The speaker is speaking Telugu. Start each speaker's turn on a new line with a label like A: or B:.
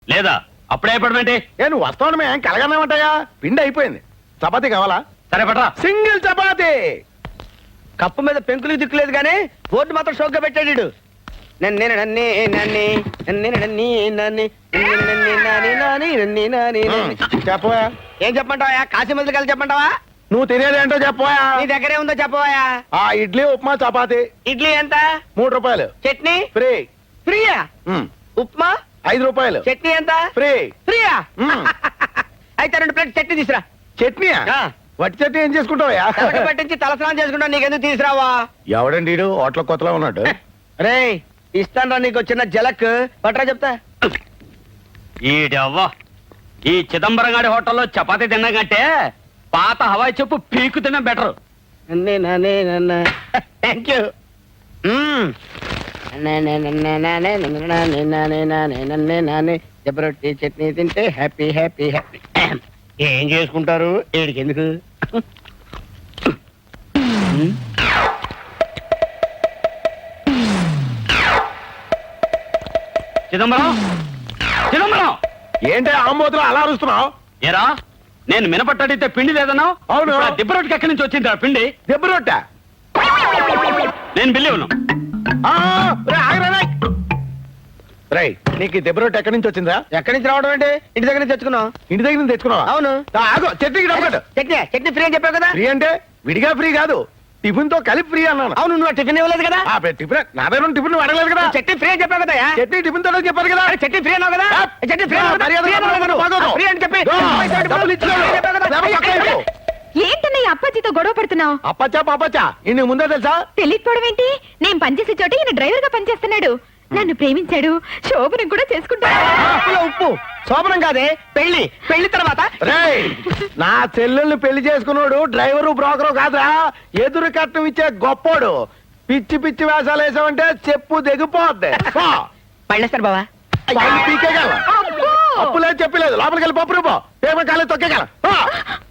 A: లేదా అప్పుడే అయిపోవడమేంటి?
B: ఏ నువ్వు వస్తావు మేము కలగన్నామంటాయా? పిండి అయిపోయింది. చపాతీ కావాలా?
A: సరే పట్రా.
B: సింగిల్ చపాతీ.
C: కప్పు మీద పెంకులు దిక్కులేదు కానీ బోర్డు మాత్రం షోక్గా పెట్టాడు వీడు. నన్నే నన్నే నన్నే నన్నే నన్నే నన్నే నన్నే నాని నాని నన్నే నాని నాని.
B: చెప్పవా?
C: ఏం చెప్పమంటావా? కాశీ మందులు కలిసి చెప్పమంటావా?
B: నువ్వు తినేది ఏంటో చెప్పవా?
C: నీ దగ్గరే ఉందో చెప్పవా?
B: ఆ ఇడ్లీ ఉప్మా చపాతీ
C: ఇడ్లీ ఎంత?
B: 3 రూపాయలు
C: చట్నీ
B: ఫ్రీ.
C: ఫ్రీయా? ఉప్మా
B: 5 రూపాయలు
C: చట్నీ ఎంత?
B: ఫ్రీ.
C: ఫ్రీయా? అయితే 2 ప్లేట్ చట్నీ తీసురా.
B: చట్నీ
C: ఆ.
B: వట్టి చట్నీ ఏం చేసుకుంటావా?
C: తలకి పట్టించి తలస్నానం చేసుకుంటా, నీకెందుకు తీసురావా?
B: ఎవడండి వీడు? హోటల్ కొత్తలో ఉన్నాడు.
C: రే ఇస్తాను నీకు చిన్న జలక్ పట్రా చెప్తా.
A: ఈడవ్వ ఈ చిదంబరం గారి హోటల్లో చపాతీ తిన్నా కంటే పాత హవాయి చెప్పు పీకు తిన్నా బెటర్.
C: నన్నే నానే నన్న థ్యాంక్ యూ. జబరొట్టి చట్నీ తింటే హ్యాపీ హ్యాపీ హ్యాపీ. ఏం చేసుకుంటారు ఏడికి ఎందుకు?
A: చిదంబరం చిదంబరం
B: ఏంటి ఆమోదులు అలా అరుస్తున్నావు?
A: ఏరా నేను మినపట్టడితే పిండి లేదన్నావు.
B: అవును.
A: దిబ్బరొట్టుకి ఎక్కడి నుంచి వచ్చింది ఆ పిండి?
B: దెబ్బ రొట్టె.
A: నేను బిల్లి ఉన్నాను.
B: నీకు ఈ దెబ్బ రొట్టె ఎక్కడి నుంచి వచ్చిందా?
C: ఎక్కడి నుంచి రావడం అంటే ఇంటి దగ్గర నుంచి తెచ్చుకున్నాం.
B: ఇంటి దగ్గర నుంచి తెచ్చుకున్నావా?
C: అవును.
B: ఆగు, చట్నీకి డబ్బు కట్టు.
C: చట్నీ చట్నీ ఫ్రీ అని చెప్పావు కదా.
B: ఫ్రీ అంటే విడిగా ఫ్రీ కాదు, టిఫిన్ తో కలిపి ఫ్రీ అన్నాను.
C: అవును నువ్వు టిఫిన్ ఇవ్వలేదు కదా.
B: టిఫిన్ నా దగ్గర టిఫిన్ అడగలేదు కదా.
C: చట్నీ ఫ్రీ అని చెప్పావు కదా.
B: చట్నీ టిఫిన్ తో చెప్పారు కదా.
C: చట్నీ ఫ్రీ అన్నావు కదా. చట్నీ ఫ్రీ ఫ్రీ అని చెప్పి
B: డబ్బులు ఇచ్చాడు.
D: ఏంటన్నయ్య అప్పాజీతో గొడవ పడుతున్నావు?
B: అప్పచ్చా పాపచ్చా ఇన్ని ముందే తెలుసా?
D: తెలియకపోవడం ఏంటి? నేను పనిచేసే చోట ఈయన డ్రైవర్ గా పనిచేస్తున్నాడు. నన్ను ప్రేమించాడు, శోభనం కూడా చేసుకుంటాడు.
C: ఉప్పు శోభనం కాదే పెళ్లి. పెళ్లి తర్వాత
B: రేయ్, నా చెల్లెల్ని పెళ్లి చేసుకున్నాడు డ్రైవరు బ్రోకరు కాదురా, ఎదురు కట్నం ఇచ్చే గొప్పోడు. పిచ్చి పిచ్చి వేషాలు వేసావంటే చెప్పు దిగిపోద్ది.
C: పళ్ళేస్తారు బావా.
B: పీకేగల అప్పులేదు చెప్పలేదు. లోపలికి వెళ్ళి పప్పు రూపో పేమెంట్ కాలేదు తొక్కేగల.